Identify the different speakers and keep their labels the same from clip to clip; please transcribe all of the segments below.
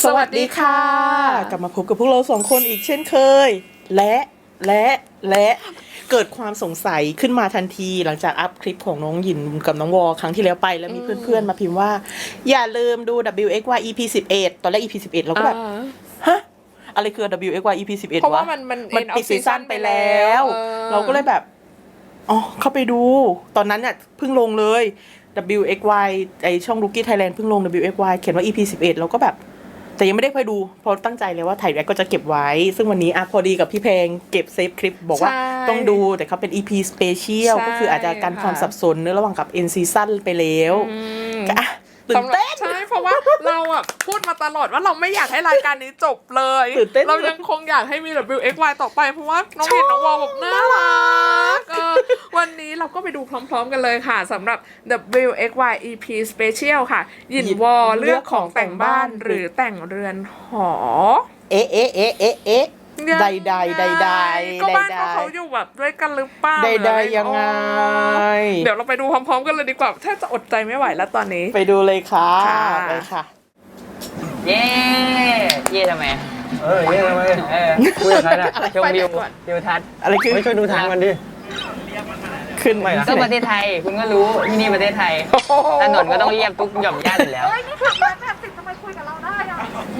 Speaker 1: สวัสดีค่ะกลับมาพบกับพวกเราสองคนอีกเช่นเคยและเกิดความสงสัยขึ้นมาทันทีหลังจากอัพคลิปของน้องหยินกับน้องวอครั้งที่แล้วไปแล้วมีเพื่อนๆมาพิมพ์ว่าอย่าลืมดู WXY EP 11ตอนแรก EP 11เราก็แบบฮะอะไรคือ WXY EP 11
Speaker 2: เพราะว่า
Speaker 1: วะ
Speaker 2: มัน
Speaker 1: ปิดซีซั่นไปแล้วเราก็เลยแบบอ๋อเข้าไปดูตอนนั้นเนี่ยเพิ่งลงเลย WXY ไอช่อง Rookie Thailand เพิ่งลง WXY เขียนว่า EP 11เราก็แบบแต่ยังไม่ได้ไปดูเพราะตั้งใจเลยว่าถ่ายแรกก็จะเก็บไว้ซึ่งวันนี้พอดีกับพี่เพลงเก็บเซฟคลิปบอกว่าต้องดูแต่เขาเป็น EP Special ก็คืออาจจะกันความสับสนเนื้อระหว่างกับ End Season ไปแล้วก็ตื่นเต้น
Speaker 2: ใช่เพราะว่าเราพูดมาตลอดว่าเราไม่อยากให้รายการนี้จบเลยเรายังคงอยากให้มี WXY ต่อไปเพราะว่าน้องเห็นน้องวอลแบบน่ารักวันนี้เราก็ไปดูพร้อมๆกันเลยค่ะสำหรับ WXY EP Special ค่ะหยินวอลเลือกของแต่งบ้านหรือแต่งเรือนหอ
Speaker 1: เอ๊ะใด
Speaker 2: ก็บ้านเขาอยู่แบบด้วยกันหรือเปล่า
Speaker 1: ใดยังไง
Speaker 2: เดี๋ยวเราไปดูพร้อมๆกันเลยดีกว่าแทบจะอดใจไม่ไหวแล้วตอนนี้
Speaker 1: ไปดูเลยค่ะไปค่ะ
Speaker 3: เย่ทำไม
Speaker 4: เย่ทำไมคุยกับใครน่ะ
Speaker 3: ชมวิวทัศน์
Speaker 1: อะไรคือ
Speaker 4: ไม่ช่วยดูทางมันดิ
Speaker 1: ขึ้นไหมล่ะ
Speaker 3: ก็ประเทศไทยคุณก็รู้ที่นี่ประเทศไทยถนนก็ต้องเรียบทุกหย่อมย่านอยู่แล้ว
Speaker 2: นี่ขับรถแบบสิทำไมคุยกับเราได้อ่ะ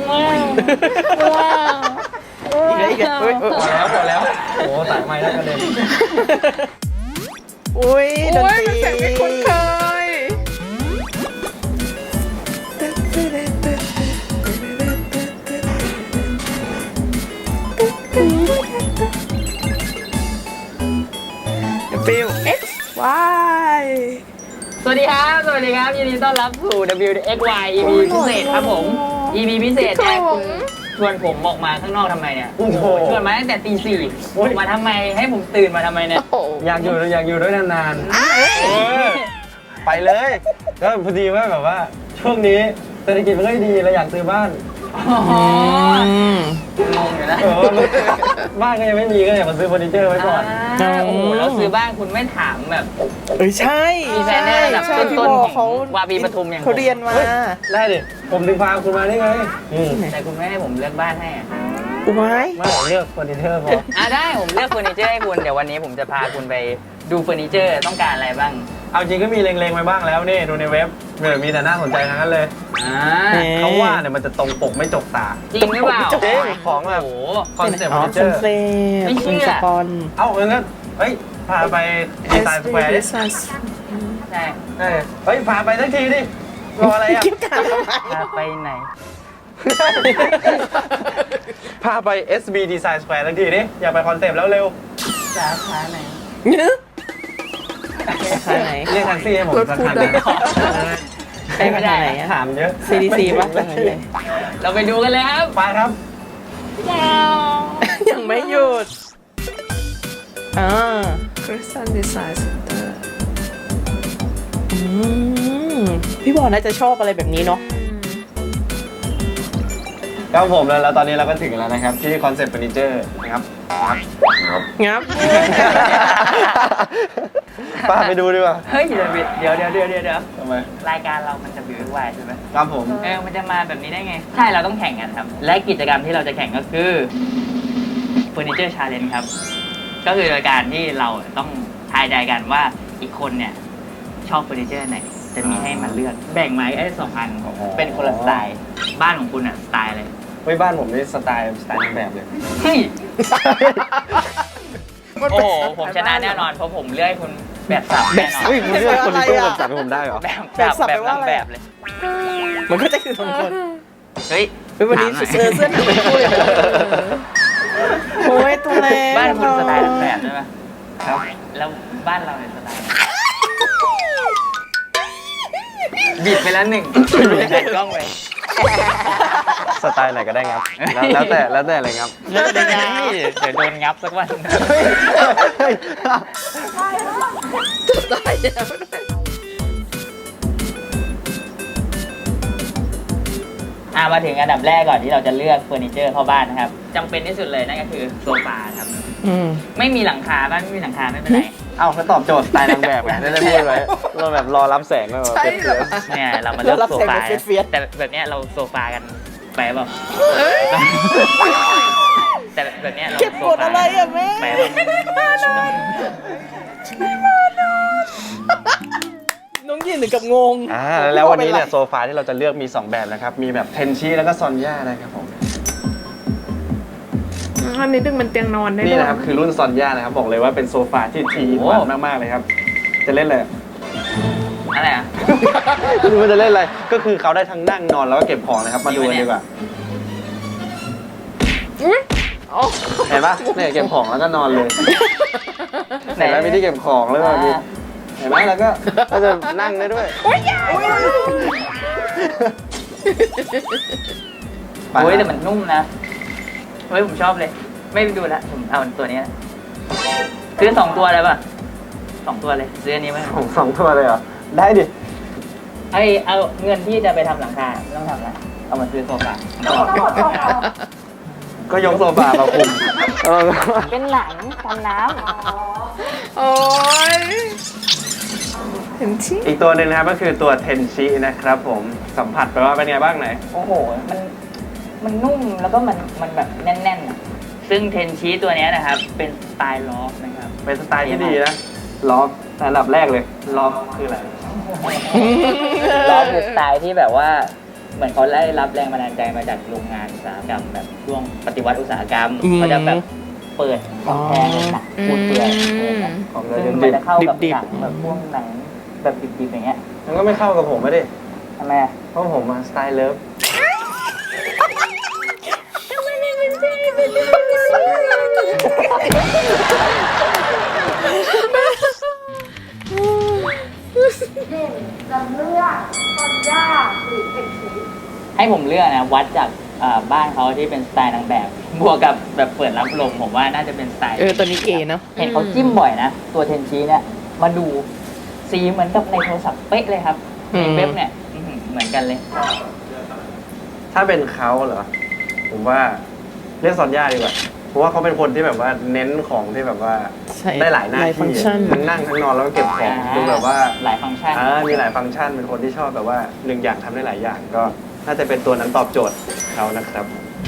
Speaker 4: พอแล้วโอ้สายไม้แล้วกระเด็น
Speaker 1: อุ้ยดนตรี
Speaker 2: เสียงไม่คุ้นเคย
Speaker 1: ฟิล X Y
Speaker 3: สวัสดีครับยินดีต้อนรับสู่ WXY EP พิเศษครับผม EP พิเศษเนี่ยคุณชวนผมออกมาข้างนอกทำไมเนี่ยชวนมาตั้งแต่ตี 4มาทำไมให้ผมตื่นมาทำไมเนี่ย
Speaker 4: อยากอยู่ด้วยนานๆไปเลยก็พอดีว่าแบบว่าช่วงนี้เศรษฐกิจมันก็ดีเราอยากซื้อบ้าน
Speaker 3: งงอยู่นะ
Speaker 4: บ้านก็ยังไม่มีก็อยากมาซื้อเฟอร์นิเจอร์ไว้ก่อน
Speaker 3: โอ้โหแล้วซื้อบ้านคุณไม่ถามแบบ
Speaker 1: ใช่
Speaker 3: มีแฟนได้ระดับต้นๆของวาบีปทุมอย่าง
Speaker 1: เขาเรียนมา
Speaker 4: ได้ดิผมถึงพาคุณมาได้ไง
Speaker 3: แต่คุณไม่ให้ผมเลือกบ้านให้
Speaker 4: ไม่เลือกเฟอร์นิเจอร์พอ
Speaker 3: ได้ผมเลือกเฟอร์นิเจอร์ให้คุณเดี๋ยววันนี้ผมจะพาคุณไปดูเฟอร์นิเจอร์ต้องการอะไรบ้าง
Speaker 4: เอาจริงก็มีเล็งๆไว้บ้างแล้วนี่ดูในเว็บมีแต่น่าสนใจทั้งนั้นเลยเขาว่าเนี่ยมันจะตรงปกไม่จกตา
Speaker 3: จริงหรือเปล่า
Speaker 4: ของแบบคอนเซ็ปต์เฟอร์นิเจอร์
Speaker 3: ไม่เชื่อ
Speaker 4: เอางั้นพาไปดีไซน์สแควร์
Speaker 3: ใช่
Speaker 4: พาไปสักทีดิรออะไรอ่ะ
Speaker 3: พาไปไหน
Speaker 4: พาไป SB Design Square สักทีดิอยากไปคอนเซ็ปต์แล้วเร็ว
Speaker 3: สาขาไหน
Speaker 4: เรียกแท็กซี่ให้ผมสักคัน
Speaker 3: ไม่ได้
Speaker 4: ถามเยอะ
Speaker 1: CDC ป่ะ
Speaker 3: เราไปดูกันเลยครับ
Speaker 4: ไปครับ
Speaker 1: ยังไม่หยุด
Speaker 2: Christian Design Center
Speaker 1: พี่บอลน่าจะชอบอะไรแบบนี้เนาะ
Speaker 4: ครับผมแล้วตอนนี้เราก็ถึงแล้วนะครับที่คอนเซ็ปต์เฟอร์นิเจอร์นะครับ
Speaker 1: งับ
Speaker 4: ป้าไปดูดีกว่า
Speaker 3: เฮ้ยเดี๋ยว
Speaker 4: ทำไม
Speaker 3: รายการเรามันจะWXYใช่ไหม
Speaker 4: ครับผม
Speaker 3: มันจะมาแบบนี้ได้ไงใช่เราต้องแข่งกันครับและกิจกรรมที่เราจะแข่งก็คือเฟอร์นิเจอร์ชาเลนจ์ครับก็คือรายการที่เราต้องทายใจกันว่าอีกคนเนี่ยชอบเฟอร์นิเจอร์ไหนจะมีให้มันเลือกแบ่งไม้ได้2 อันเป็นคนละสไตล์บ้านของคุณสไตล์อะไร
Speaker 4: บ้านผมนี่สไตล์แบบเลย
Speaker 3: เฮ้ยโอ้โหผมชนะแน่นอนเพราะผมเลือกให้คุณแบบสับแน่นอน
Speaker 4: คุณเลือกคนที่แบบสับให้ผมได้เหรอ
Speaker 3: แบบสับแบบนางแบบเลย
Speaker 1: มันก็จะคือ2 คน
Speaker 3: เฮ้ย
Speaker 1: วันนี้เสื้อหนังคู่เลยโอ้ยตัวเล็ก
Speaker 3: บ้านคุณสไตล์แบบใช่ไหมครับแล้วบ้านเราในสไตล์บิดไปแล้ว1แผ่นกล้องไป
Speaker 4: สไตล์ไหนก็ได้งับแล้วแต่อะไรงับ
Speaker 3: เลือกได้ไงเดี๋ยวโดนงับสักวันมาถึงอันดับแรกก่อนที่เราจะเลือกเฟอร์นิเจอร์เข้าบ้านนะครับจำเป็นที่สุดเลยนั่นก็คือโซฟาครับไม่มีหลังคาบ้านไม่มีหลังคาไม่เป็นไร
Speaker 4: เขาตอบโจทย์สไตล์นางแบบไงได้พูดไว้เราแบบรอรับแสงก็แบบ
Speaker 3: เนี่ยเรามาเลือกโซฟาแต่แบบเนี้ยเราโซฟากันแปลแบบแต่แบบเนี้ยเรา
Speaker 1: เก็บกดอะไรอ่ะแม่
Speaker 3: แปลแบบ
Speaker 1: น้องยินถึงกับงง
Speaker 4: แล้ววันนี้เนี่ยโซฟาที่เราจะเลือกมี 2 แบบนะครับ มีแบบเทนชิแล้วก็ซอนย่านะครับผม
Speaker 2: อันนี้ดึงมันเตียงนอนได้
Speaker 4: นี่
Speaker 2: ด้วย
Speaker 4: นะครับคือรุ่นซอนย่านะครับบอกเลยว่าเป็นโซฟาที่ทีหวานมากๆเลยครับ จะเล่นเลย
Speaker 3: อะไรอ่ะ
Speaker 4: ไม่รู้ว่าจะเล่นอะไรก็คือเขาได้ทั้งนั่งนอนแล้วก็เก็บของนะครับ มาดูกันดีกว่า
Speaker 2: อุ๊ยอ๋อ
Speaker 4: เห็นปะเนี่ยเก็บของแล้วก็นอนเลยเห็นไหมมีที่เก็บของแล้วก็มีเห็นไหมแล้วก็จะนั่งได้ด้วย
Speaker 3: โอ้ยแต่มันนุ่มนะเฮ้ยผมชอบเลย ไม่ดูละผมเอาตัวนี้นะซื้อ2 ตัวเลยป่ะ2 ตัวเลยซื้ออันนี้ไหม
Speaker 4: ของ2 ตัวเลยเหรอได้ดิ
Speaker 3: เอาเงินที่จะไปทำหลังคาไม่ต้องทำอะไรเอามาซื้อโซฟา
Speaker 4: ก็ยกโซฟามาคุม
Speaker 3: เป็นหลังกันน้
Speaker 2: โอ้ยเห็นชิ
Speaker 4: อีกตัวหนึ่งนะครับก็คือตัวเทนชินะครับผมสัมผัสไปว่าเป็นไงบ้างไหน
Speaker 3: ำโอ้โหมันนุ่มแล้วก็มันแบบแน่นๆอะซึ่งเทนชีตัวเนี้ยนะครับเป็นสไตล์ล็อกนะครับ
Speaker 4: เป็นสไตล์ที่ดีนะล็อกอันดับแรกเลยล็อกคืออะไร
Speaker 3: ล็อกคือสไตล์ที่แบบว่าเหมือนเขาได้รับแรงบันดาลใจมาจากโรงงานอุตสาหกรรมแบบช่วงปฏิวัติอุตสาหกรรมเขาจะแบบเปิดกำแพงหนักปูนเปลื่อย
Speaker 4: ของ
Speaker 3: ซึ่งมันจะเข้ากับหนังแบบพวกหนังแบบดิบๆอย่างเงี้ย
Speaker 4: มันก็ไม่เข้ากับผมไม่ดิ
Speaker 3: ทำไมอะ
Speaker 4: เพราะผมมาสไตล์เลิฟ
Speaker 3: ให้ผมเลือกนะวัดจากบ้านเขาที่เป็นสไตล์นางแบบบวกกับแบบเปิดรับลมผมว่าน่าจะเป็นสไตล์
Speaker 1: ตัวนี้เก๋เนาะ
Speaker 3: เห็นเขาจิ้มบ่อยนะ ตัวเทนชีเนี่ยมาดูสีเหมือนกับในโทรศัพท์เป๊ะเลยครับในเว็บเนี่ยเหมือนกันเลย
Speaker 4: ถ้าเป็นเขาเหรอผมว่าเรียกซอนย่าดีกว่าเพราะว่าเขาเป็นคนที่แบบว่าเน้นของที่แบบว่า
Speaker 1: ใช่
Speaker 4: ได้หลายหน้า
Speaker 1: หลายฟังก์
Speaker 4: ที่
Speaker 1: ชัน
Speaker 4: ทั้งนั่งทั้งนอนแล้วก็เก็บของดูแบบว่า
Speaker 3: หลายฟังก์ชัน
Speaker 4: มีหลายฟังก์ชันเป็นคนที่ชอบแบบว่า1 อย่างทำได้หลายอย่างก็น่าจะเป็นตัวนั้นตอบโจทย์เขานะครับ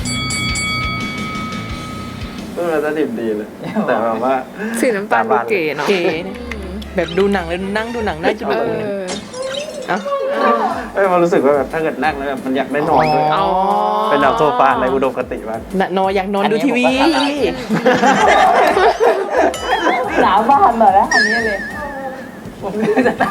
Speaker 4: เราจะดิบดีเลย แต่แบบว่า
Speaker 2: สีน้ำตาลดูเก๋เนาะ
Speaker 1: เก๋เนี่ยแบบดูหนังเลยนั่งดูหนังได้จน
Speaker 2: เอ
Speaker 1: แบบ
Speaker 2: อ
Speaker 1: เอ้า
Speaker 4: มันรู้สึกว่าแบบถ้าเกิดนั่งแล้วแบบมันอยากได้นอนด้วย
Speaker 1: อ๋อ
Speaker 4: เป็นแบบโซฟาในอุดมคติมาก
Speaker 1: นอนอยากนอนดูทีวี
Speaker 3: สาวบ้านเหรอนะอันนี้เลยผมจะได้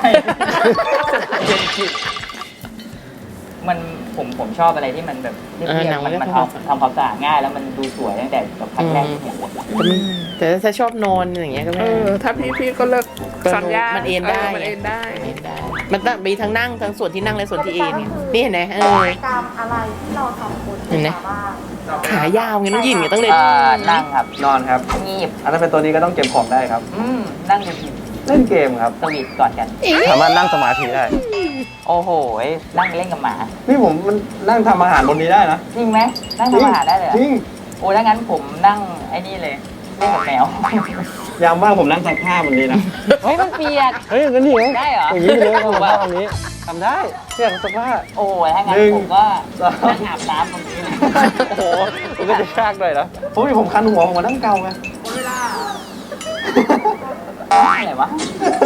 Speaker 3: มันผมชอบอะไรที่มันแบบเรียบๆมันทำความสะอาดง่ายแล้วมันดูสวยตั้งแต่แบบครั้งแรกที่เห็น
Speaker 1: แต่ถ้าชอบนอนอย่างเงี้ยก็
Speaker 2: เอ
Speaker 1: ไม่
Speaker 2: อ ถ้าพี่ก็เลิกสัญญา
Speaker 1: มั
Speaker 2: มัน
Speaker 1: เอนได้
Speaker 2: มันเอนได้
Speaker 1: มันต้องมีทั้งนั่งทั้งส่วนที่นั่งและส่วนที่เอนเนี่ยนี่เห็นไหม
Speaker 5: กิจกรรมอะไรที่เราทำบน
Speaker 1: เห็นไหม
Speaker 5: บ้าง
Speaker 1: ขายาวไงน้องยินไงต้องเลย
Speaker 3: นั่งครับ
Speaker 4: นอนครับ
Speaker 3: งีบ
Speaker 4: อันนั้นเป็นตัวนี้ก็ต้องเก็บของได้ครับ
Speaker 3: นั่งกันที
Speaker 4: เล่นเกมครับ
Speaker 3: สวีทก่อนกัน
Speaker 4: สามารถนั่งสมาธิได้
Speaker 3: โอ้โหนั่งเล่นกับหมา
Speaker 4: นี่ผมมันนั่งทำอาหารบนนี้ได้นะ
Speaker 3: จริงไหมนั่งทำอาหารได้เลยเหรอ
Speaker 4: จริง
Speaker 3: โอ้ถ้างั้นผมนั่งไอ้นี่เลยเล่นกับแมว
Speaker 4: ยามว่างผมนั่งซักผ้าบนนี้นะ
Speaker 3: เฮ้ยมันเปียก
Speaker 4: เฮ้ยอย่างนั้นดิ
Speaker 3: ได้เหรอ
Speaker 4: อย่างนี้เลย
Speaker 3: ถู
Speaker 4: ซั
Speaker 3: ก
Speaker 4: ก
Speaker 3: ป่ะ
Speaker 4: ผ้าตรงนี้ทำได้เสื้อซักผ้า
Speaker 3: โอ้ยถ้างั้น
Speaker 4: หนึ่ง
Speaker 3: ผมก็
Speaker 4: สอง
Speaker 3: นั่งอาบน้ำตรงนี้เลย
Speaker 4: โอ้โหมันก็จะยากหน่อยนะผมคันหัวผมมานั่งเกาไง
Speaker 3: อะไรวะ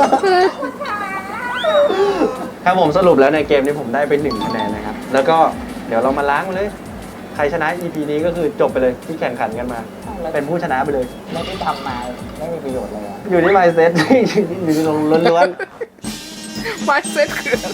Speaker 4: ครับผมสรุปแล้วในเกมนี้ผมได้ไป1 คะแนนนะครับ แล้วก็เดี๋ยวเรามาล้างมันเลย ใครชนะ EP นี้ก็คือจบไปเลยที่แข่งขันกันมา เป็นผู้ชนะไปเลย
Speaker 3: ไม่ได้ทำมาไม่มีประโยชน์เลยอะ
Speaker 4: อยู่ที่ mindset อยู่ที่ล้วน
Speaker 2: ไม้เซ็ตคืออะไร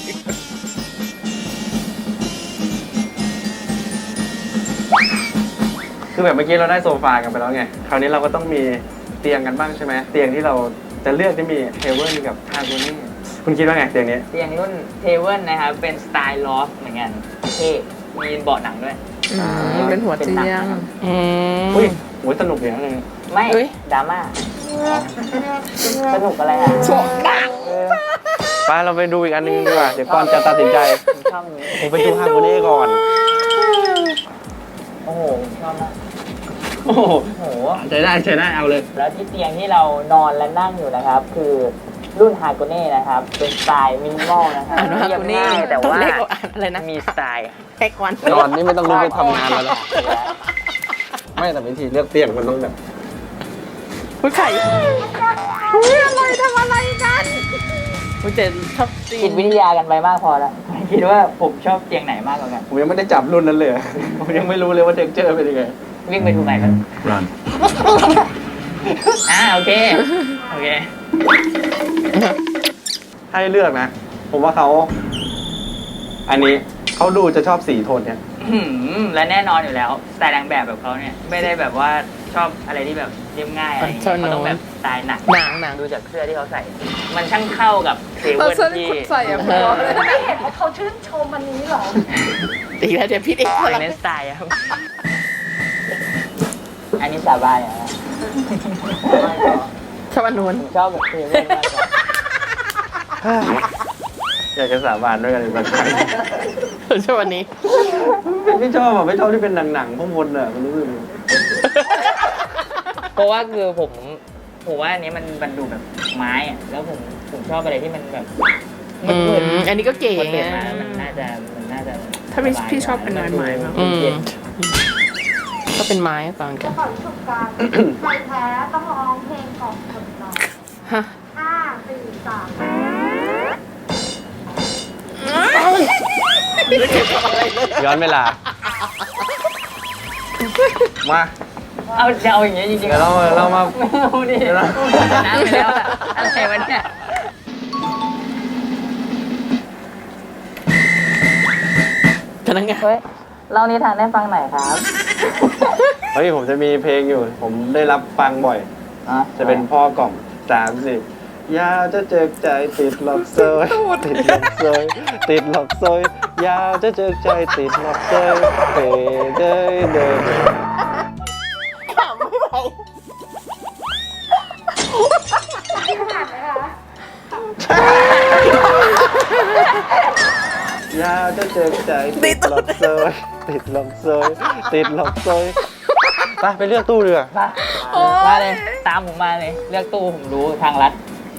Speaker 4: ๆคือแบบเมื่อกี้เราได้โซฟากันไปแล้วไง คราวนี้เราก็ต้องมีเตียงกันบ้างใช่ไหมเตียงที่เราจะเลือกที่มีเทเบิลกับฮาร์โมนีคุณคิดว่าไงเตียงนี้
Speaker 3: เตียงรุ่นเทเบิลนะครับ เป็นสไตล์ลอฟเหมือนกันเท่มีเบาะหนังด้วย
Speaker 2: เป็นหัวเตียง
Speaker 4: อุ้ยโหสนุกอย่างเลย
Speaker 3: ไม่
Speaker 1: เอ้ย
Speaker 3: ดราม่าสนุกอะไรอ่ะ
Speaker 4: ไปเราไปดูอีกอันนึงดีกว่า เดี๋ยวก่อนจะตัดสินใจ
Speaker 3: ผมชอบนี้
Speaker 4: ผมไปดูฮาร์โมนีก่อน
Speaker 3: โอ้โหผมชอบมาก
Speaker 4: โอ้โห
Speaker 3: โอ้โห
Speaker 4: ใช้ได้เอาเลย
Speaker 3: แล้วที่เตียงที่เรานอนและนั่งอยู่นะครับ คือรุ่นฮาโกเน่นะครับ เป็นสไตล์มินิมอลนะครับ
Speaker 1: อ่านว่าฮาโกเน่
Speaker 3: เรียบง่ายแต่
Speaker 1: ตอน
Speaker 3: ว่า
Speaker 1: แรกเราอ่านอะไรนะ
Speaker 3: มีสไตล์
Speaker 1: แท็กวัน
Speaker 4: นอนนี่ไม่ต้องลุกไปทำงานแล้วนะไม่แต่วิธีเลือกเตียงมันต้องแบบ
Speaker 1: อุ้ยไข่อุ้ยอะไรทำอะไรกันอุ้ยแต่ชอบจริ
Speaker 3: จิต
Speaker 1: ง
Speaker 3: วิทยากันไปมากพอแล้วคิดว่าผมชอบเตียงไหนมากกว่ากัน
Speaker 4: ผมยังไม่ได้จับรุ่นนั้นเลย ผมยังไม่รู้เลยว่าเท็กเจอร์เป็นยังไง
Speaker 3: วิ่งไปดูไหนกัน
Speaker 4: Run
Speaker 3: โอเค โอเค
Speaker 4: ให้เลือกนะ ผมว่าเขาอันนี้เขาดูจะชอบสีโทนเนี่ย
Speaker 3: และแน่นอนอยู่แล้วสไตล์นางแบบเขาเนี่ยไม่ได้แบบว่าชอบอะไรที่แบบเรียบง่ายอะไรอย่างเงี้ยเขาต้องแบบสไตล์หนัก
Speaker 1: หนัง
Speaker 3: ดูจากเสื้อที่เขาใส่ มันช่างเข้ากับเซ
Speaker 2: เออ
Speaker 3: เว่น
Speaker 2: เสื้อที่
Speaker 3: ที่
Speaker 2: คุณใส่อะพอเลย
Speaker 5: ไม่เห็นว่าเขาชื่นชมอันนี้เหรอ
Speaker 1: อีกแล้วเดี๋ยวพี่เอก
Speaker 3: เป็นเน้นสไตล์อะครับ อันนี้สาบานอย่างนะ
Speaker 1: ชอบอันนู้น
Speaker 3: ผมชอบแบบเซเว่นมากกว่า
Speaker 4: อยากจะสาบานด้วยกันอีกสักครั้ง
Speaker 1: ชอบอันนี้
Speaker 4: ไม่ชอบอ่ะไม่ชอบที่เป็นหนังพวกมนอ่ะมันรู้สึก
Speaker 3: เพราะว่าคือผมว่าอันนี้มันดูแบบไม้อะแล้วผมชอบอะไรที่มันแบบ
Speaker 1: อืมอันนี้ก็เก๋
Speaker 3: พอ
Speaker 1: ไง
Speaker 3: เปิดมามันน่าจะ
Speaker 2: ถ้าพี่ชอบเป็นไม้ๆมาก
Speaker 1: อืมก็เป็นไม้ตอนกั
Speaker 5: จะ
Speaker 1: น
Speaker 5: ขอชุบกันใครแพ้ต้องร้องเพลงของคนน้อง
Speaker 1: ฮะ
Speaker 5: 5 4 3
Speaker 4: ย้อนเวลา มา
Speaker 3: จะเอาอย่างเงี้ยจริงๆ
Speaker 4: เดี๋ยวเรามา
Speaker 3: ไม่เอาดิ
Speaker 4: เดี๋ยวเรา
Speaker 3: ชนะไปแล้วอะอะไรวะเนี่ย
Speaker 1: พนักงาน
Speaker 3: เฮ้ยเล่านิทานให้ฟังหน่อยครับ
Speaker 4: เฮ้ยผมจะมีเพลงอยู่ ผมได้รับฟังบ่อย จะเป็นพ่อกล่อม30ยาวจะเจอใจติดหลอกเซยติดหลอกเซยติดหลอกเซยยาวจะเจอใจติดหลอกเซยเตเดยเดย
Speaker 1: ขำไม่ไหว
Speaker 5: ขนาดไหนคะ
Speaker 4: ยาวจะเจอใจติดหลอกเซยติดหลอกเซยติดหลอกเซยไปเลือกตู้เรือ
Speaker 3: มาเลย ตามผมมาเลย เลือกตู้ผมรู้ทางลัด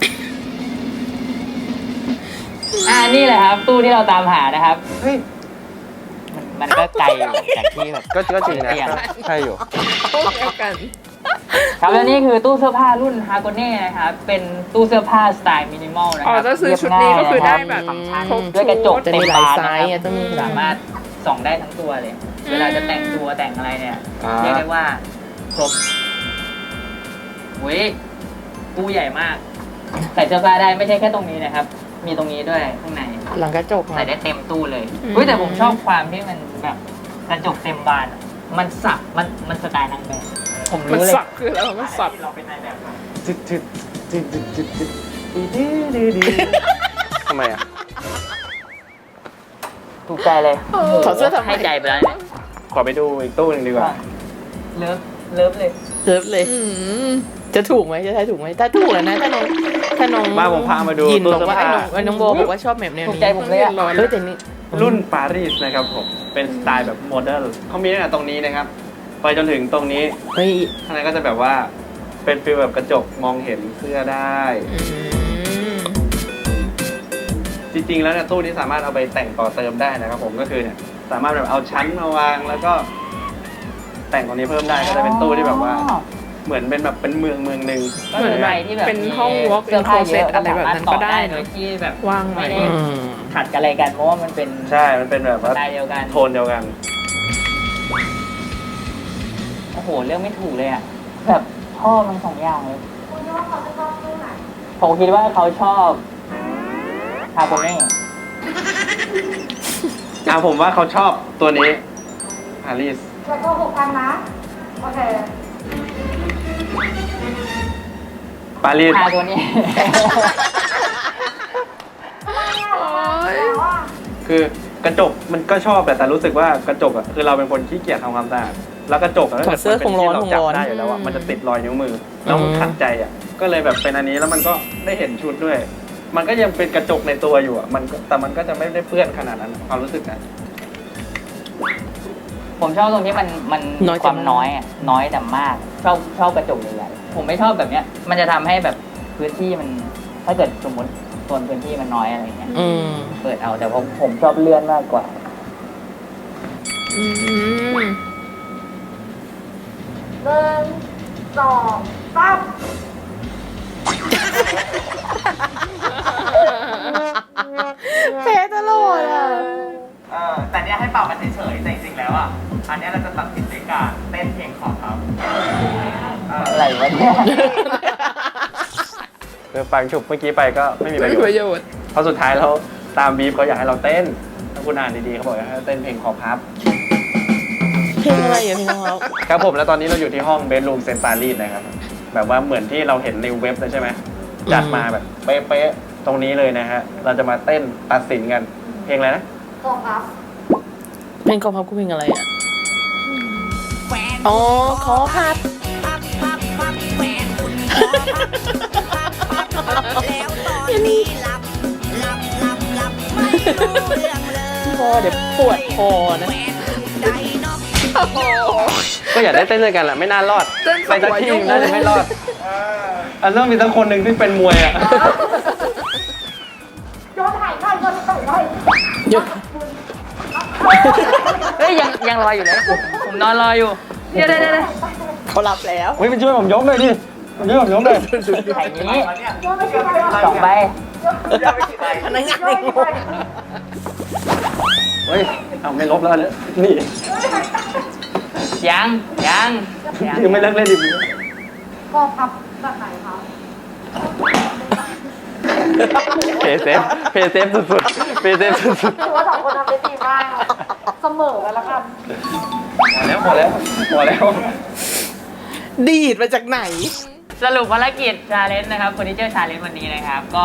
Speaker 3: นี่แหละครับ ตู้ที่เราตามหานะครับ
Speaker 4: เฮ้ย
Speaker 3: มันก็ไกลอยู่จากที่แบบ
Speaker 4: ก็จริงนะ
Speaker 3: เตียง
Speaker 4: ใช่อยู่
Speaker 2: ตู้เดียวกัน
Speaker 3: ครับและนี่คือตู้เสื้อผ้ารุ่นฮาโกเน่นะครับ เป็นตู้เสื้อผ้าสไตล์มินิมอลนะค
Speaker 2: อ๋อ
Speaker 3: รับ
Speaker 2: ถ้าซื้อชุดนี้ก็คือได้แบบ
Speaker 3: ฟังก์ชัน
Speaker 2: ครบ
Speaker 3: ด้วยกระจก
Speaker 1: จะ
Speaker 3: เต็
Speaker 1: มี
Speaker 3: ม
Speaker 1: หลาย
Speaker 3: บาน
Speaker 1: ไซ
Speaker 3: นะ
Speaker 1: ส์
Speaker 3: ค
Speaker 1: อ่ะ
Speaker 3: รับ
Speaker 1: ต้องมี
Speaker 3: สามารถส่องได้ทั้งตัวเลย เวลาจะแต่งตัวแต่งอะไรเนี่ย
Speaker 4: อ่า
Speaker 3: เรียกได้ว่าครบเว้ยตู้ใหญ่มากใส่เสื้อผ้าได้ไม่ใช่แค่ตรงนี้นะครับ มีตรงนี้ด้วยข้างใน
Speaker 1: หลังกระจก
Speaker 3: ใส่
Speaker 1: อ่ะ
Speaker 3: ได้เต็มตู้เลยเฮ้ยแต่ผมชอบความที่มันแบบกระจกเต็มบานอะมันสับมันสไตล์นางแบบผม
Speaker 2: มัน
Speaker 3: รู้เลย
Speaker 2: สับคือแล้วมันสับ
Speaker 3: เราเป็นนายแบบ
Speaker 4: ทำไมอ่ะ
Speaker 3: ถูกใจเลย
Speaker 1: ถอดเสื้อทำไม
Speaker 3: ให้ใจไปแล้วเนี่ย
Speaker 4: ขอไปดูอีกตู้หนึ่งดีกว่า
Speaker 3: เลิฟเลย
Speaker 1: เลิฟเลย
Speaker 2: อืม
Speaker 1: จะถูกไหมจะทายถูกไหมถ้าถูกแล้วนะถ้าน้อง
Speaker 4: มาผมพามาดู
Speaker 1: ยิน
Speaker 4: ตู้
Speaker 1: บอก
Speaker 4: เสื้อ
Speaker 1: ว่า
Speaker 4: ผ้า
Speaker 1: ไอ้น้องโบบอกว่าชอบแบบแนว
Speaker 3: ถูก
Speaker 1: นี้
Speaker 3: ใจผมเลยอะ
Speaker 1: เฮ้ยแต่นี่
Speaker 4: รุ่นปารีสนะครับผม เป็นสไตล์แบบโมเดิร์นเขามีตั้งแต่ตรงนี้นะครับ ไปจนถึงตรงนี้
Speaker 1: เฮ้ย
Speaker 4: ข้างในก็จะแบบว่า เป็นฟิลแบบกระจกมองเห็นเสื้อได้
Speaker 1: อืม
Speaker 4: จริงๆ แล้วเนี่ยตู้นี้สามารถเอาไปแต่งต่อเติมได้นะครับผมก็คือเนี่ยสามารถแบบเอาชั้นมาวางแล้วก็ แต่งตรงนี้เพิ่มได้ก็จะเป็นตู้ที่แบบว่า เหมือนเป็นแบบเป็นเมืองหนึ่ง
Speaker 3: ก็เหมือนใครที่แบบ
Speaker 2: เป็นห้อง walk in
Speaker 3: เสื้อผ้าเยอะ
Speaker 2: closet อะไรแบบนั้นก็ได้
Speaker 3: โดยที่แบบ
Speaker 2: ว่างไว้
Speaker 3: ไม่ได้
Speaker 1: อืม
Speaker 3: ขัดกันอะไรกันเพราะว่ามันเป็น
Speaker 4: ใช่ มันเป็นแบบ
Speaker 3: ส
Speaker 4: ว่า
Speaker 3: ไตล์เดียวกัน
Speaker 4: โทนเดียวกัน
Speaker 3: โอ้โหเลือกไม่ถูกเลยอ่ะแบบชอบมันสองอย่างเลย
Speaker 5: คุณคิดว่าเขาจะชอบตู้ไหน
Speaker 3: ผมคิดว่าเขาชอบฮาโกเน่
Speaker 4: ผมว่าเขาชอบตัวนี้ปารีส
Speaker 5: จะโกหกกันนะ โอเค
Speaker 4: ปารีส
Speaker 3: ฮาโกเน่
Speaker 5: แล้วอ่ะ
Speaker 4: คือกระจกมันก็ชอบแต่รู้สึกว่ากระจกอ่ะคือเราเป็นคนขี้เกียจทำความสะอาดแล้วกระจกอะ
Speaker 1: ถอดเสื้อคงร้อน
Speaker 4: เรา
Speaker 1: คง
Speaker 4: จับ
Speaker 1: ร้อน
Speaker 4: ได้อยู่แล้วอ่ะมันจะติดรอยนิ้วมือแล้วมันขัดใจอ่ะก็เลยแบบเป็นอันนี้แล้วมันก็ได้เห็นชุดด้วย มันก็ยังเป็นกระจกในตัวอยู่อ่ะแต่มันก็จะไม่ได้เปื้อนขนาดนั้นความรู้สึกนะ
Speaker 3: ผมชอบตรงที่มัน
Speaker 1: น้อยแต่
Speaker 3: ความ
Speaker 1: มาก
Speaker 3: น้อยอ่ะน้อยแต่มากชอบกระจกใหญ่ๆผมไม่ชอบแบบเนี้ย มันจะทำให้แบบพื้นที่มันถ้าเกิดสมมติโซนพื้นที่มันน้อยอะไรเงี้ย
Speaker 1: อืม
Speaker 3: เปิดเอาแต่ผมชอบเลื่อนมากกว่า
Speaker 2: อืม
Speaker 5: 1 2 3
Speaker 1: แพ้ตลอดอ่ะ
Speaker 3: แต่เนี้ยให้เป่ามันเฉยๆแต่จริงๆแล้วอ่ะอันเนี้ยเราจะตัดสินด้วยการเต้นเพลงของเขาอะไรวะเนี่ย
Speaker 4: คือฟังฉุบเมื่อกี้ไปก็ไม่มีประ
Speaker 2: ไม่
Speaker 4: โย
Speaker 2: มี
Speaker 4: ช
Speaker 2: ประ
Speaker 4: น์
Speaker 2: โยชน์
Speaker 4: เพราะสุดท้ายแล้วตามบีฟเขาอยากให้เราเต้น ถ้าคุณอ่านดีๆเขาบอกให้เต้นเพลงคอพับ
Speaker 1: เพลงอะไรอ่ะเพลงของเขา
Speaker 4: ครับผมแล้วตอนนี้เราอยู่ที่ห้องเบดรูมเซนต์ปารีสนะครับ แบบว่าเหมือนที่เราเห็นในเว็บเลยใช่ไหมจัดมาแบบเป๊ะๆตรงนี้เลยนะฮะ เราจะมาเต้นตัดสินกัน เพลงอะไรนะ
Speaker 5: กองพับ
Speaker 1: เพลงกองพับกูเพลงอะไรอ่ะอ๋อขอพับพอเดี๋ยวปวดคอนะ
Speaker 4: ก็อยากได้เต้นด้วยกันแหละไม่น่ารอด
Speaker 2: เต้น
Speaker 4: ไปสักที่
Speaker 2: หัวยุ่ง
Speaker 4: น่าจะไม่รอดอันต้องมีสักคนหนึ่งที่เป็นมวยอ่ะ
Speaker 5: โยนถ่ายหน่อยโยนถ่ายหน่อย
Speaker 1: หยุด
Speaker 3: เฮ้ยยังรออยู่เลยผมนอนรออยู่เดี๋ยว
Speaker 1: เขารับแล้ว
Speaker 4: เฮ้ยมันช่วยผมยกเลยดิมันช่วยผมยกเลย
Speaker 3: ไข่นี้
Speaker 5: โยนไม่ใช่อะไร
Speaker 3: 2 ใบ
Speaker 1: พนักงานในงง
Speaker 4: เฮ้ยเอาไม่ลบแล้วเนี่ยนี่
Speaker 3: ยัง
Speaker 4: ยังไม่เลิกเล่นอีก
Speaker 5: กองพับแบบไหนคะ
Speaker 4: เพย์เซฟสุดๆเพย์เซฟสุด
Speaker 5: ถือว่า2 คนทำได้ดีมากเสมอกันแล้วกัน
Speaker 4: ๆพอแล้ว
Speaker 1: ดีดมาจากไหน
Speaker 3: สรุปภารกิจชาเลนจ์นะครับเฟอร์นิเจอร์ชาเลนจ์วันนี้นะครับ ก็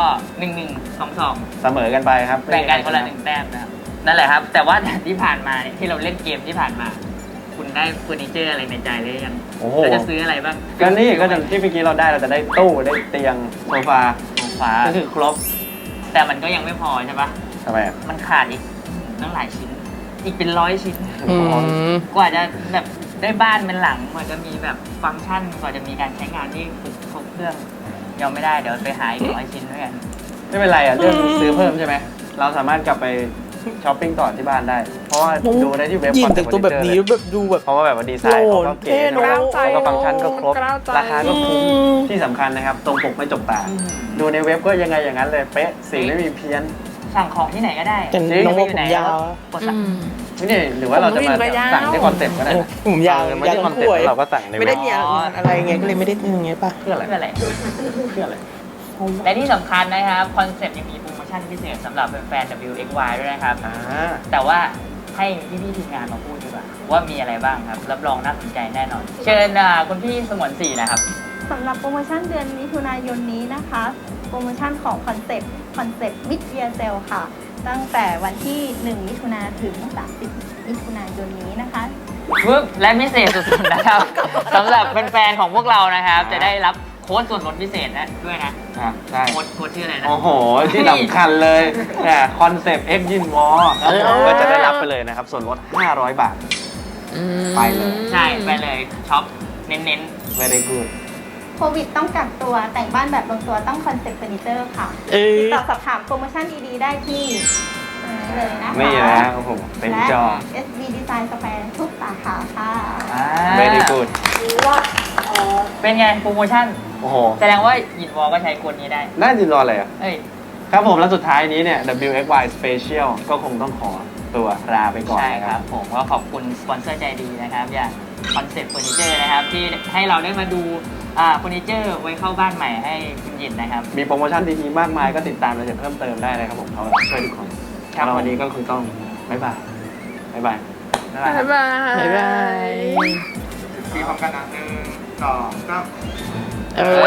Speaker 3: 1-1-2-2
Speaker 4: เสมอกันไปครับ
Speaker 3: แบ่งกันคนละ1 แต้มนะครับนั่นแหละครับ แต่ว่าที่ผ่านมาเนี่ยที่เราเล่นเกมที่ผ่านมา คุณได้เฟอร์นิเจอร์อะไรในใจหรือยัง
Speaker 4: โอ้โห
Speaker 3: เราจะซื้ออะไรบ้าง
Speaker 4: ก็นี่ก็จะที่เมื่อกี้เราได้เราจะได้ตู้ได้เตียงโซฟา
Speaker 3: ฟ้า
Speaker 4: ก็คือครบ
Speaker 3: แต่มันก็ยังไม่พอใช่ปะ
Speaker 4: ทำไมอ่ะ
Speaker 3: มันขาดอีกตั้งหลายชิ้น อีกเป็น100 ชิ้น
Speaker 1: อืม
Speaker 3: กว่าจะแบบได้บ้านเป็นหลังกว่าจะมีแบบฟังก์ชันกว่าจะมีการใช้งานที่ครบเครื่องยังไม่ได้เดี๋ยวไปหาอีก100 ชิ้นด้วยกัน
Speaker 4: ไม่เป็นไรอ่ะเรื่องซื้อเพิ่มใช่ไหมเราสามารถกลับไปช้อปปิ้งต่อที่บ้านได้ เพราะว่าดูได้ที่เว็บ
Speaker 1: ยิน
Speaker 4: Concept
Speaker 1: แต่งตัวแบบนี้
Speaker 4: Furniture
Speaker 1: แบบดูแบบ
Speaker 4: เพราะว่าแบบว่าดีไซน์เขาก็เก๋
Speaker 1: โอ้โหเท่เนอะ
Speaker 4: แล้วก็ฟังก์ชันก็ครบ
Speaker 2: กล้าวใจ
Speaker 4: ราคาก็คุ้ม
Speaker 1: อืม
Speaker 4: ที่สำคัญนะครับ ตรงปกไม่จกตา ดูในเว็บก็ยังไงอย่างนั้นเลยเป๊ะสีไม่มีเพี้ยน
Speaker 3: สั่งของที่ไหนก็ได้
Speaker 1: แต่น้องว่าผมยาว
Speaker 3: กดสั่ง
Speaker 4: นี่หรือว่าเราจะมา
Speaker 2: ผมวิ่งก็ยาว
Speaker 4: สั่งที่คอนเซ็ปต์ก็ได้นะ
Speaker 1: ผมยาว
Speaker 4: ไม่ใช่คอนเซ็ปต์เราก็สั่งใน
Speaker 1: ไม่
Speaker 4: เว็
Speaker 1: ได้
Speaker 4: บ
Speaker 1: มีอะไรเงี้ยก็เลยไม่ได้อย่างเงี้ยป่ะ
Speaker 4: เพื่ออะไร
Speaker 3: เพื่ออะไร
Speaker 4: เพื่ออะไร
Speaker 3: และที่สำคัญนะครับคอนเซ็ปต์ยังมีโปรโมชั่นพิเศษสำหรับแฟนๆ WXY ด้วยนะครับ แต่ว่าให้พี่ๆทีมงานมาพูดดีกว่าว่ามีอะไรบ้างครับ รับรองน่าสนใจแน่นอน เชิญคุณพี่สมวนศรีนะครับ
Speaker 6: สำหรับโปรโมชั่นเดือนมิถุนายนนี้นะคะ โปรโมชั่นของคอนเซปต์มิดเยียเซลค่ะ ตั้งแต่วันที่ 1 มิถุนาถึง 30 มิถุนายนนี้นะคะ
Speaker 3: ปึ๊บและพิเศษสุดๆนะครับ สำหรับแฟนๆของพวกเรานะครับ จะได้รับโค้ดส่วนลดพิเศษนะด้วยนะ
Speaker 4: ใช่
Speaker 3: โค้ดชื่ออะไรนะ
Speaker 4: โอ้โห ที่สำคัญเลยคอนเซปต์ X ยินวอก็จะได้รับไปเลยนะครับ ส่วนลด 500 บาท ไปเลย
Speaker 3: ใช่ไปเลยช็อปเน้น
Speaker 4: very good
Speaker 6: โควิดต้องกักตัวแต่งบ้านแบบลงตัวต้องคอนเซปต์เฟอร์นิเจอร์ค่ะ
Speaker 1: เอ้
Speaker 6: ติด
Speaker 1: ย
Speaker 6: ต่อสอบถามโปรโมชั่นดีๆได้ที่นี่เลยนะคะ
Speaker 4: นี่นะโอ้โหเต็ม
Speaker 6: และ
Speaker 4: จอ
Speaker 6: SB Design Square ทุกสาขาค่ะ
Speaker 3: ๆ
Speaker 4: very good
Speaker 3: เป็นไงโปรโมชั่น
Speaker 4: โอ้โห
Speaker 3: แสดงว่ายินวอลก็ใช้โค้ดนี้ได้
Speaker 4: น่าจะรออะไรอ่ะ
Speaker 3: เอ้ย
Speaker 4: ครับผมแล้วสุดท้ายนี้เนี่ย WXY Special ก็คงต้องขอตัวลาไปก่อน
Speaker 3: ใช่
Speaker 4: นะ
Speaker 3: ค
Speaker 4: ค
Speaker 3: รั
Speaker 4: รั
Speaker 3: บบ ผมก็ขอบคุณสปอนเซอร์ใจดีนะครับ อย่างคอนเซ็ปต์เฟอร์นิเจอร์นะครับ ที่ให้เราได้มาดูเฟอร์นิเจอร์ไว้เข้าบ้านใหม่ให้คุณยินนะครับ
Speaker 4: มีโปรโมชั่นดีๆมากมายก็ติดตามรายละเอียดเพิ่มเติมได้นะครับผมเขาช่วยทุกคน
Speaker 3: ครับ
Speaker 4: แล้ววันนี้ก็คือต้องบ๊ายบายบ๊ายบาย
Speaker 3: บ๊ายบายครับ
Speaker 2: บ๊ายบาย
Speaker 1: บ๊ายบาย
Speaker 3: สีพร้อมกันนะ1 2 3
Speaker 1: เออ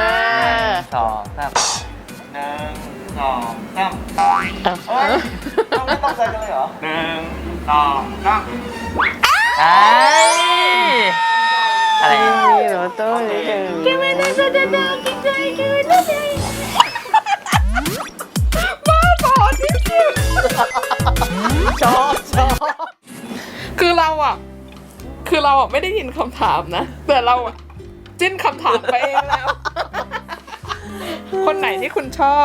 Speaker 3: 2 3 1 2 3
Speaker 1: เอ้ย
Speaker 4: ไม่ต้องใจกันเลยเหรอ
Speaker 3: 1 2 3ไอ้อะไรเนี่ย
Speaker 1: นี่เหรอโต้ยชอบ
Speaker 2: คือเราอ่ะไม่ได้ยินคำถามนะ แต่เราอ่ะจิ้นคำถามไปเองแล้วคนไหนที่คุณชอบ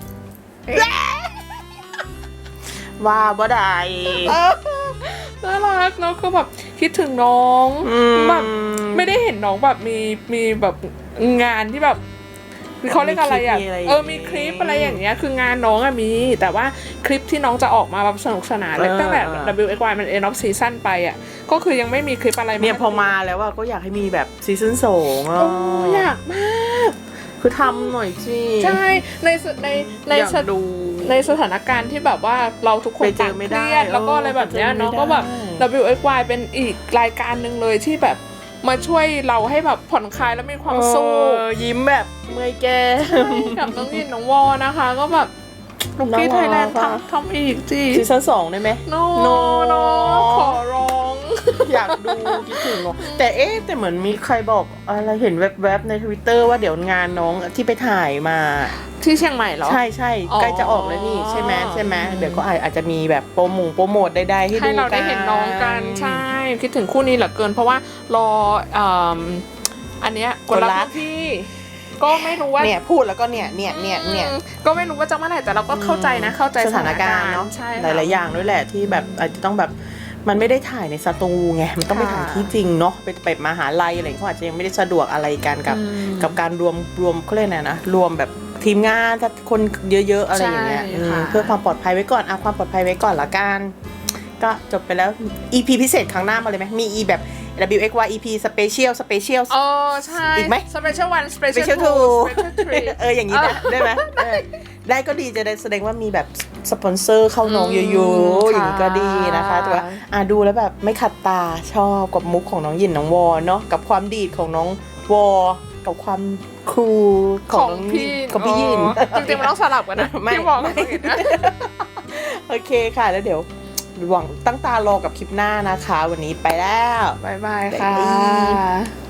Speaker 1: ว่าบ่ได้
Speaker 2: น่ารักเนาะคือแบบคิดถึงน้อง แบบไม่ได้เห็นน้องแบบมีแบบงานที่แบบเขาเรียกอะไรอ่ะมีคลิปอะไรอย่างเงี้ยคืองานน้องอะมีแต่ว่าคลิปที่น้องจะออกมาแบบสนุกสนานเลยตั้งแต่ WXY มัน end of season ไปอ่ะก็คือยังไม่มีคลิปอะไร
Speaker 1: เนี่ยพอมาแล้วว่าก็อยากให้มีแบบซีซั่น2
Speaker 2: โอ้อยากมาก
Speaker 1: คือทำหน่อยสิ
Speaker 2: ใช่ใน
Speaker 1: อยากดู
Speaker 2: ในสถานการณ์ที่แบบว่าเราทุกคน
Speaker 1: ไปเจ
Speaker 2: ต่า
Speaker 1: อง ไม่
Speaker 2: เค
Speaker 1: ได้
Speaker 2: รียดแล้วก็อะไรแบบเนี้ย
Speaker 1: ไปเจอไม่
Speaker 2: เนาะก็แบบ
Speaker 1: ได้
Speaker 2: WXY เป็นอีกรายการหนึ่งเลยที่แบบมาช่วยเราให้แบบผ่อนคลายแล้วมีความสุข
Speaker 1: ยิ้มแบบเมื่อยแก้ม
Speaker 2: กับน้องยินน้องวอนะคะ ก็แบบลูกกี้ไทยแลนด์
Speaker 1: น่ารัก
Speaker 2: ทำอีกจี
Speaker 1: ซีซั่น2ได้ไหม
Speaker 2: โน
Speaker 1: No
Speaker 2: โนขอร้อง
Speaker 1: อยากดูคิดถึงเนอะแต่เหมือนมีใครบอกอะไรเห็นแวบๆใน Twitter ว่าเดี๋ยวงานน้องที่ไปถ่ายมา
Speaker 2: ที่เชียงใหม่เหรอ
Speaker 1: ใช่ใช่
Speaker 2: อ๋อ
Speaker 1: ใกล้จะออกแล้วนี่ใช่ไหมเดี๋ยวก็อาจจะมีแบบโปรโมทใดๆให้ดู
Speaker 2: ให้เราได้เห็นน้องกันใช่ คิดถึงคู่นี้เหลือเกิน เพราะว่ารออันเนี้ยกดรักพี่ ก็ไม่รู้ว่า
Speaker 1: เนี่ยพูดแล้วก็เนี่ย
Speaker 2: ก็ไม่รู้ว่าจะเมื่อไหร่แต่เราก็เข้าใจนะเข้าใจ
Speaker 1: สถานการณ์เนาะ
Speaker 2: ใช่
Speaker 1: หลายๆอย่างด้วยแหละที่แบบอาจจะต้องแบบมันไม่ได้ถ่ายในสตูไงมันต้องไปถ่ายที่จริงเนาะไปมหาลัยอะไรเขาอาจจะยังไม่ได้สะดวกอะไรกันกับการรวมเขาเรียกอะไรนะรวมแบบทีมงานถ้าคนเยอะๆอะไรอย่างเงี้ยเพื่อความปลอดภัยไว้ก่อนเอาความปลอดภัยไว้ก่อนละกันก็จบไปแล้ว EP พิเศษครั้งหน้ามาเลยไหมมี EP แบบ WXY EP Special
Speaker 2: อ๋อใช่
Speaker 1: อีกไหม
Speaker 2: Special 1 Special
Speaker 1: Special
Speaker 2: 2
Speaker 1: 2
Speaker 2: Special 3
Speaker 1: อย่างนี้นะได้ไหมได้ก็ดีจะได้แสดงว่ามีแบบสปอนเซอร์เข้าน้องเยอะๆอย่างนี้ก็ดีนะคะแต่ว่าดูแล้วแบบไม่ขัดตาชอบกับมุกของน้องหยินน้องวอเนาะกับความดีดของน้องวอกับความคูลของน้อง
Speaker 2: พี่
Speaker 1: ของพี่หยิน
Speaker 2: จริงๆมันต้องสลับกันนะ
Speaker 1: ไม่
Speaker 2: พี่บอกไม่เห็นนะ
Speaker 1: โอเคค่ะแล้วเดี๋ยวหวังตั้งตารอกับคลิปหน้านะคะ วันนี้ไปแล้ว
Speaker 2: บ๊ายบายค่ะ
Speaker 1: บ๊ายบาย